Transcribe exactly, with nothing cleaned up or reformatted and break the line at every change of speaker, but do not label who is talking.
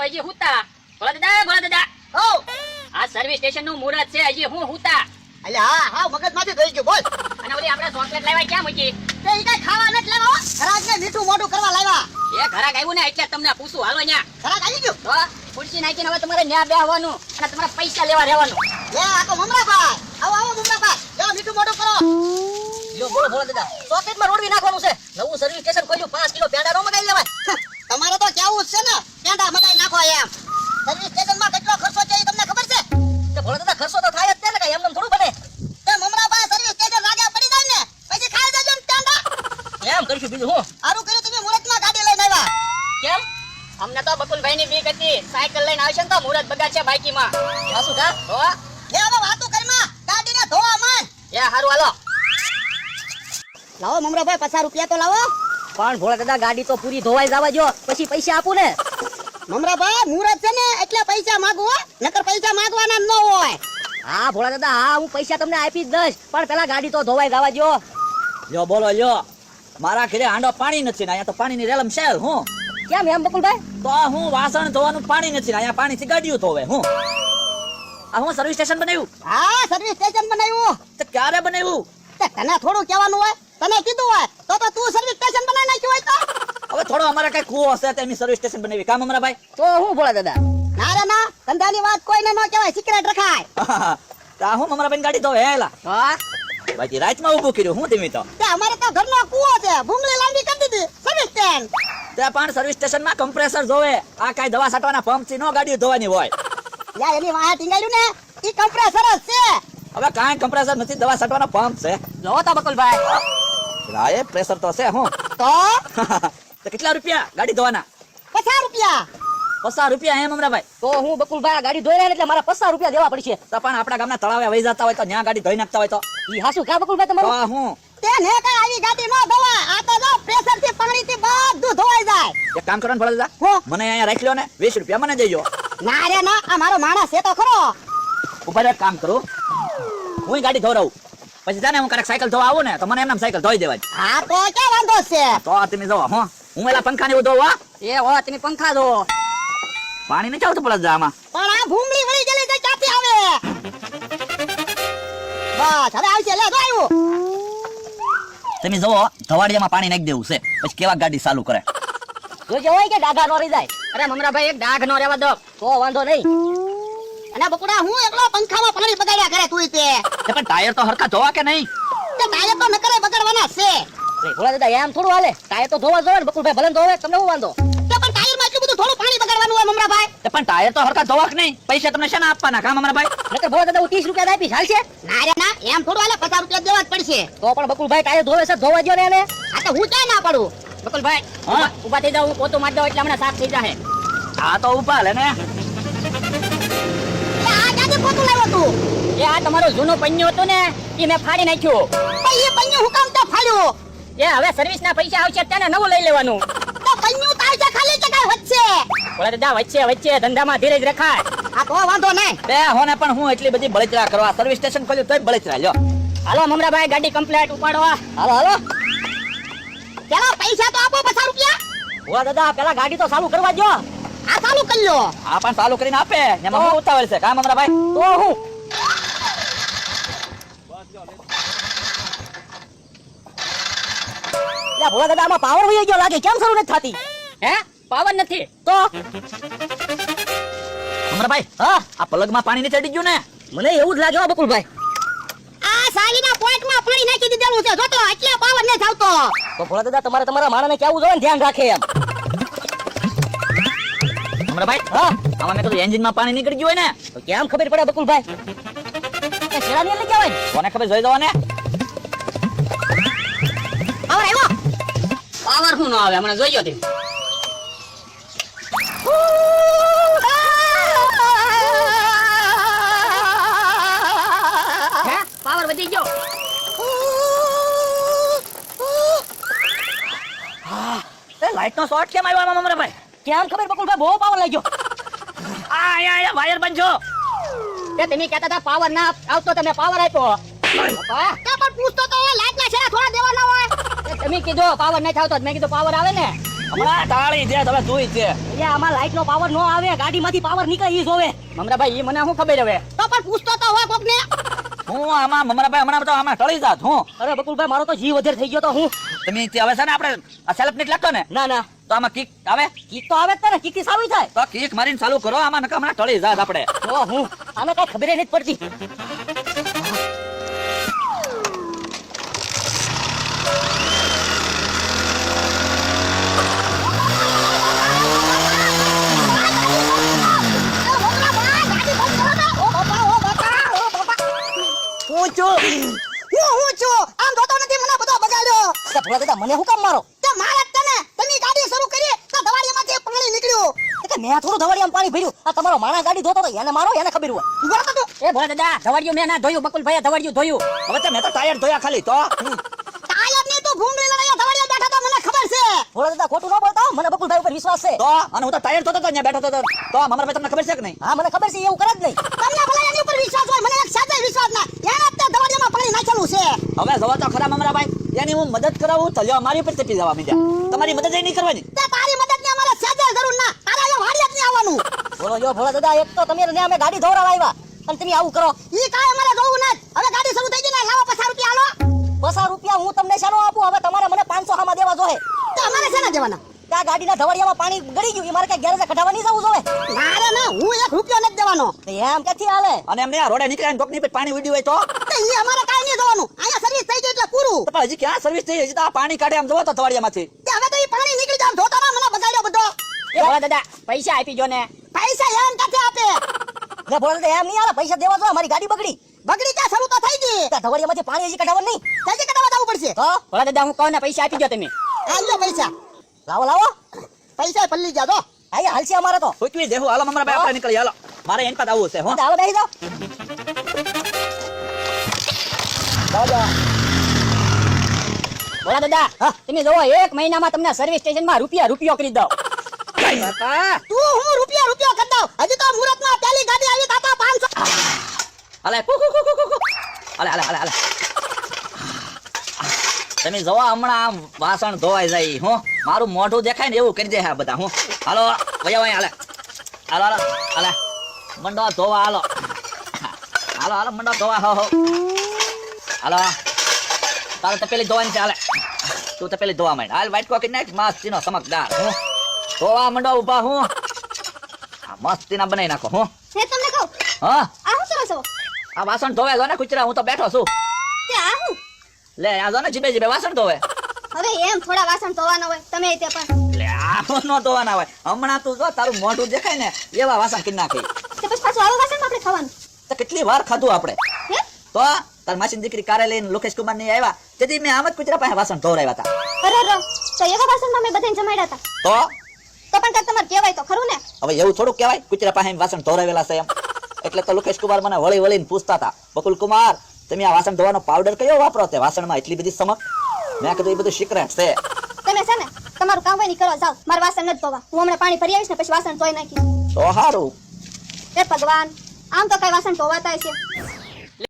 હજી હુતા. ભોળા દાદા ભોળા દાદા
ઓ
આ સર્વિસ સ્ટેશન નું મુહૂર્ત છે, હજી હું હુતા.
અલે હા હા મગજમાંથી થઈ ગયું બોલ.
અને ઓલી આપણે ચોકલેટ લાવ્યા ક્યાં મૂકી?
તે ઈ કઈ ખાવા નથી લેવા ખરાજને મીઠું મોઢું કરવા લાવ્યા.
એ ઘરાક આવ્યું ને એટલે તમને પૂછું. હાલો ન્યા
ખરાજ આવી ગયું
તો ખુરશી નાખીને હવે તમારે ન્યા બેહવાનું અને તમારે પૈસા લેવા રહેવાનું.
લે આ તો મમરાભાઈ આવો આવો મમરાભાઈ જાઓ મીઠું મોઢું કરો.
લ્યો બોલો ભોળા દાદા, ચોકલેટમાં રોડવી નાખવાનું છે. નવું સર્વિસ સ્ટેશન ખોલ્યું, પાંચ કિલો પેંડા નો મગાઈ લેવાય.
તમારે તો કેવું જ છે ને પેંડા મગાઈ નાખો એમ. સર્વિસ સ્ટેશનમાં કેટલો ખર્ચો છે એ તમને ખબર છે?
તે ભોળા દાદા ખર્ચો તો થાય જ છે ને, કઈ એમને થોડું બને.
તે મમરાભાઈ સર્વિસ સ્ટેશન રાજા પડી જાય ને પછી ખાઈ જજો ને પેંડા.
એમ કરશું બીજું હું.
સારું કર્યું તમે મુહૂર્તમાં ગાડી લઈને આવ્યા.
કેમ? અમને તો બકુલભાઈ ની બીક હતી, સાયકલ લઈને આવશે ને તો મુહૂર્ત બગાડશે બાઈકીમાં.
સાસુ કા
હો
લે હવે વાતું કરમાં ગાડીને ધોવા માંડ.
એ હારું હાલો.
લાવો મમરાભાઈ પચાસ રૂપિયા તો લાવો.
પણ ભોળા દાદા ગાડી તો પૂરી ધોવાઈ જવા જો, પછી પૈસા આપું ને.
મમરાભાઈ મુહૂર્ત છે ને એટલે પૈસા માંગો હો, નકર પૈસા માંગવાના ન હોય.
હા ભોળા દાદા હા, હું પૈસા તમને આપી જ દઈશ, પણ પેલા ગાડી તો ધોવાઈ જવા જો.
લ્યો બોલો લ્યો, મારા ઘરે હાંડો પાણી નથી ને અહીંયા તો પાણીની રેલમ શેલ હું.
કેમ એમ બકુલભાઈ?
તો હું વાસણ ધોવાનું પાણી નથી ને અહીંયા પાણીથી ગાડીઓ ધોવે હું. આ હું સર્વિસ સ્ટેશન બનાવ્યું.
હા સર્વિસ સ્ટેશન બનાવ્યું.
તે ક્યારે બનાવ્યું?
તે તને થોડું કહેવાનું હોય, તને કીધું હોય તો તો તું સર્વિસ સ્ટેશન બનાવી નાખ્યું હોય તો.
હવે થોડો અમારે કઈ કુવો હશે તો એમની સર્વિસ સ્ટેશન બનાવી કામ અમારા ભાઈ.
તો હું ભોળા દાદા.
ના રે ના ધંધાની વાત કોઈને ન કહેવાય, સિક્રેટ રખાય.
તા હું અમારા ભાઈ ગાડી ધોવે હેલા.
હા
બાકી રાતમાં ઊભું કર્યું હું ધીમી તો.
તે અમારે તો ઘરનો કૂવો છે, ભૂંગળી લાંબી કરી દીધી સર્વિસ સ્ટેશન.
તે પણ સર્વિસ સ્ટેશનમાં કમ્પ્રેસર જોવે, આ કાઈ દવા છાંટવાના પંપ થી નો ગાડીઓ ધોવાની હોય.
યા એની વાહે ટીંગાડ્યું ને ઈ કમ્પ્રેસર જ છે.
હવે કાંઈ કમ્પ્રેસર નથી, દવા છાંટવાનો પંપ છે.
જો તા બકુલભાઈ.
રાય પ્રેશર તો છે હું.
તો
તો કેટલા રૂપિયા ગાડી ધોવાના?
પચાસ રૂપિયા.
પચાસ રૂપિયા એમ અમારા ભાઈ.
તો હું બકુલભાઈ આ ગાડી ધોઈ રહ્યા ને એટલે મારા પચાસ રૂપિયા દેવા પડશે.
તો પણ આપણા ગામના તળાવે વહી જતા હોય તો ત્યાં ગાડી ધોઈ નાખતા હોય તો
ઈ હાસુ કા બકુલભાઈ
તો
તમારું?
હું
તેને કઈ આવી ગાડી ન ધોવાય. આ તો જો પ્રેશર થી પાણી થી બધું ધોવાઈ જાય.
એક કામ કરો ને ભોળા દાદા,
હો.
મને અહીંયા રાખી લો ને, વીસ રૂપિયા મને દેજો.
ના રે ના આ મારો માણસ છે તો ખરો.
ઉભા રહો, એક કામ કરું, હું ગાડી ધોરાવું પછી જાને હું ક્યારેક સાયકલ ધોવા આવું ને તો મને એમનામ સાયકલ ધોઈ દેવાય.
હા તો ક્યાં વાંધો છે.
તો તમે જોવો હું હું એલા પંખા ને એવું ધોવા.
એ હો તમે પંખા ધો.
પાણી નથી આવતું ભોળા દાદા આમાં.
પણ આ ભૂંગળી વળી ગયેલી છે ક્યાંથી આવે. બસ હવે આવશે લે જો આવ્યું.
તમે જોવો ધવાડિયામાં પાણી નાખી દેવું છે પછી કેવા ગાડી ચાલુ કરે.
જોજો હોય કે ડાઘા નો રહી જાય.
અરે મમરાભાઈ એક ડાઘ નો રહેવા દો.
તો વાંધો નહીં.
અને બકુડા હું એકલો પંખામાં પાણી બગાડ્યા કરે તું તે.
તે પણ ટાયર તો હરખા ધોવા કે નહીં?
તે ટાયર તો નકરે બગાડવાના છે.
અરે ભોળા દાદા એમ થોડું હાલે, ટાયર તો ધોવા જોવે ને બકુલભાઈ, ભલે ને ધોવે, તમને શું વાંધો?
તે પણ ટાયરમાં એટલું બધું થોડું પાણી બગાડવાનું હોય મમરાભાઈ.
તે પણ ટાયર તો હરખા ધોવા કે નહીં? પૈસા તમને શેના આપવાના કામ અમારા ભાઈ?
નકર ભોળા દાદા હું ત્રીસ રૂપિયા આપીશ, હાલશે?
ના રે ના એમ થોડું હાલે, પચાસ રૂપિયા દેવા જ પડશે.
તો પણ બકુલભાઈ ટાયર ધોવે છે, ધોવા દ્યો ને એને.
આ તો હું ક્યાં ના પડું.
બકુલભાઈ
હા?
ઉભા- ઉભા થઈ જાવ, હું પોતું મારી દઉં એટલે હમણાં સાફ થઈ જાય.
આ તો ઉભા લે ને.
એ આ ક્યાંથી પોતું લાવ્યો તું.
એ આ તમારું જૂનું પન્યું હતું ને એ મેં ફાડી નાખ્યું.
પણ એ પન્યું હું કામ તો ફાડ્યું.
એ હવે સર્વિસ ના પૈસા આવશે તેને નવું લઈ લેવાનું.
તો પન્યું તાર છે ખાલી કે કાંઈ વચ્ચે.
ભોળા દાદા વચ્ચે વચ્ચે ધંધામાં ધીરજ રખાય.
આ તો વાંધો નહીં.
બે હોને પણ હું એટલી બધી બળતરા કરવા સર્વિસ સ્ટેશન ખોલ્યું તોય બળતરા લ્યો.
હાલો મમરાભાઈ ગાડી કમ્પ્લીટ ઉપાડો.
હાલો હાલો.
પેલા પૈસા તો આપો પચાસ રૂપિયા.
ભોળા દાદા પેલા ગાડી તો ચાલુ કરવા દ્યો.
આ ચાલુ કરી લો.
આ પણ ચાલુ કરીને આપે એમાં હું ઉતાવળ છે કામ અમારા ભાઈ.
તો હું લા ભોળા દાદા આમાં પાવર વહી ગયો લાગે, કેમ શરૂ નથી થતી?
હે પાવર નથી
તો
અમારા ભાઈ
હા
આ પલગમાં પાણી નહીં ચડી ગયું ને?
મને એવું જ લાગે હો બકુલભાઈ.
આ સાલીના પોઈન્ટમાં પાણી નાખી દીધેલું છે જોતો એટલે પાવર ન આવતો.
તો ભોળા દાદા તમારે તમારા માણસને કેવું જોઈએ ને, ધ્યાન રાખે એમ.
અમારા ભાઈ
હા
આમાં મેં કીધું એન્જિનમાં પાણી નીકળી ગયું હોય ને
તો કેમ ખબર પડે બકુલભાઈ? એ શેરાની લઈ જવાય ને.
કોને ખબર જોઈ દો ને.
પાવર આવ્યો.
પાવર શું ન આવે હમણાં જોઈયો તે. હે પાવર વધી ગયો.
એ લાઈટ નો શોર્ટ કેમ આવ્યો આમાં અમારા ભાઈ?
કેમ ખબર બકુલભાઈ, બહુ પાવર લાગ્યો.
આ આયા આયા વાયર બંજો.
તે તમે કહેતા હતા પાવર ના આવતો તમે પાવર આપ્યો. બાપા,
તો પણ પૂછતો તો હોય લાઈટના શેરા થોડા દેવાના હોય.
તે તમે કીધું પાવર નહીં આવતો મેં કીધું પાવર આવે ને.
હમણાં ટાળી દે તમે જોઈ છે
એટલે આમાં લાઈટ નો પાવર નો આવે, ગાડીમાંથી પાવર નીકળે ઈ જોવે.
મમરાભાઈ ઈ મને શું ખબર હવે?
તો પણ પૂછતો તો હોય કોકને.
હું આમાં મમરાભાઈ હમણાં તો આમાં ટળી જાત હું
અરે બકુલભાઈ મારો તો જીવ વધારે થઈ ગયો તો હું.
તમે તે હવે છે ને આપણે આ સેલ્ફ નીટ લાગતો ને
ના ના
તો આમાં કિક આવે
કીક તો આવે જ તે ને, કીક થી સારું થાય.
તો કિક મારીને ચાલુ કરો આમાં નકા હમણાં ટળી જાત આપણે
જો હું આને કઈ ખબર નથી પડતી.
હું છું હું હું છું આમ જોતો નથી મને બધો બગાડ્યો.
તે ભોળા દાદા મને હું કામ મારો?
તે મારે જ તને તમે ગાડી શરૂ કરી તો દવાડીમાંથી પાણી નીકળ્યું.
એ કે મેં થોડું ધવાડિયામાં પાણી ભર્યું. આ તમારો માણસ ગાડી ધોતો તો એને મારો, એને ખબર હોય.
ઉભો રહો તું.
એ ભોળા દાદા ધવાડિયું મેં ના ધોયું, બકુલભાઈએ ધવાડિયું ધોયું.
હવે તો મેં તો ટાયર ધોયા ખાલી તો
ટાયર ની તું ભૂંગળી લડાયા દવાડીયા બેઠા તો મને ખબર છે.
ભોળા દાદા ખોટું ન બોલતા હો, મને બકુલભાઈ ઉપર વિશ્વાસ છે.
તો અને હું તો ટાયર ધોતો તો ત્યાં બેઠો તો તો મમરાભાઈ તમને ખબર છે કે નહીં
હા મને ખબર છે, એવું કરે જ નહીં.
તમને ભલા એની ઉપર વિશ્વાસ હોય, મને એક સાચો વિશ્વાસ ના. એને જ તે દવાડીયામાં પાણી નાખેલું છે.
હવે જવા તો ખરા મમરાભાઈ એની હું મદદ કરાવું તો લ્યો મારી ઉપર ચપી જવા મીડ્યા તમારી મદદ એ નહીં કરવાની
તે તારી મદદની અમારે સહેજે જરૂર ના. તારે અહીંયા વાડિયા જ નહીં આવવાનું.
બોલો જો ભોળા દાદા, એક તો તમે ને અમે ગાડી ધોરાવા આવ્યા અને તમે આવું કરો.
ઈ કાંઈ અમારે જોવું નથી. હવે ગાડી શરૂ થઈ ગઈ ને લાવો પચાસ રૂપિયા હાલો.
પચાસ રૂપિયા હું તમને શાનો આપું? હવે તમારે મને પાંચસો હામાં દેવા જોઈએ.
તો અમારે શેના દેવાના?
ત્યાં ગાડીના ધવાડિયામાં પાણી ગળી ગયું, એ મારે ક્યાં ગેરેજે કઢાવવા નહીં જવું જોઈએ.
મારે ના, હું એક રૂપિયો નથી દેવાનો.
તો એમ ક્યાંથી હાલે?
અને એમને આ રોડે નીકળ્યા કોકની પર પાણી ઉડ્યું હોય તો
તો ઈ અમારે કાંઈ નહીં જોવાનું. અહીંયા સર્વિસ થઈ ગઈ એટલે પૂરું.
તો પણ હજી ક્યાં સર્વિસ થઈ હજી તો આ પાણી કાઢે આમ જોવો તો તવાડિયામાંથી
તે હવે તો ઈ પાણી નીકળી જાય. ધોતા ના મને બગાડ્યો બધો.
એ ભોળા દાદા પૈસા આપી જો ને.
પૈસા એમ કાથી આપે?
લે ભોળા દાદા, એમ નહીં હાલે, પૈસા દેવા જોઈએ. મારી ગાડી બગડી,
બગડી ક્યાં શરૂ તો થઈ ગઈ.
ત્યાં ધવાડિયામાંથી પાણી હજી કઢાવવા નહીં.
ત્યાંથી કઢાવવા જવું પડશે.
તો
ભોળા દાદા હું કહું ને પૈસા આપી જો તમે.
આલ્યો પૈસા.
લાવો લાવો,
પૈસા પલ્લી ગયા તો.
આયા હાલશે અમારે તો.
સૂચવી દેવું હાલો મમરાભાઈ આપણે નીકળી હાલો મારે એની પાસે આવવું છે હો
હાલો બેસી જાઓ.
ભોળા દાદા તમે જોવો એક મહિનામાં તમને સર્વિસ સ્ટેશનમાં રૂપિયા રૂપિયો કરી દઉં.
કાકા
તું હું રૂપિયા રૂપિયા કરી દઉં. હજી તો મુહૂર્તમાં પહેલી ગાડી આવી તાતા પાંચસો.
હાલે કુ કુ કુ કુ કુ હાલે હાલે હાલે હાલે તમે જોવા હમણાં આમ વાસણ ધોવાઈ જાય હું મારું મોઢું દેખાય ને એવું કરી દે હા બધા હું હાલો વયા વયા હાલે હાલો હાલો હાલે મંડો ધોવા હાલો હાલો હાલો મંડો ધોવા હો હો હાલો તારે તો પેલી ધોવાની છે હાલે તું તો પેલી ધોવા માંડ હાલ વાઈટ કોકી નાખ મસ્તીનો ચમકદાર હું ધોવા મંડો ઉભા હું આ મસ્તીના બનાવી નાખો હું
હે તમને કહું
હા
આ હું કરો છો?
આ વાસણ ધોવે જો ને કુચરા હું તો બેઠો છું
તે આ હું?
લે આ જો ને જીબે જીબે વાસણ ધોવે
હવે એમ થોડા વાસણ ધોવાના હોય તમે તે પણ
લે આ નો ધોવાના હોય હમણાં તું જો તારું મોઢું દેખાય ને એવા વાસણ કરી નાખી
તે પછી પાછું આવા વાસણ આપણે ખાવાનું
તો કેટલી વાર ખાધું આપણે
હે
તો તાર માસીની દીકરી કારે લઈને લોકેશ કુમાર ની આવ્યા તેથી મેં આમ જ કુતરા પાસે વાસણ ધોવરાવ્યા હતા
અરે રો તો એવા વાસણમાં મેં બધાને જમાડ્યા હતા
તો
તો પણ કાંઈક તમારે કહેવાય તો ખરું ને.
હવે એવું થોડું કહેવાય કુતરા પાસે એમ વાસણ ધોવરાવેલા છે એમ એટલે તો લોકેશ કુમાર મને વળી વળીને પૂછતા હતા બકુલ કુમાર તમે આ વાસણ ધોવાનો પાવડર કયો વાપરો તે વાસણમાં એટલી બધી સમક મેં કીધું એ બધું સિક્રેટ છે
તમે છે ને તમારું કામ હોય ને કરો જાવ, મારે વાસણ નથી ધોવા. હું હમણાં પાણી ભરી આવીશ ને પછી વાસણ ધોઈ નાખીશ.
તો સારું
હે ભગવાન, આમ તો કઈ વાસણ ધોવાતા છે.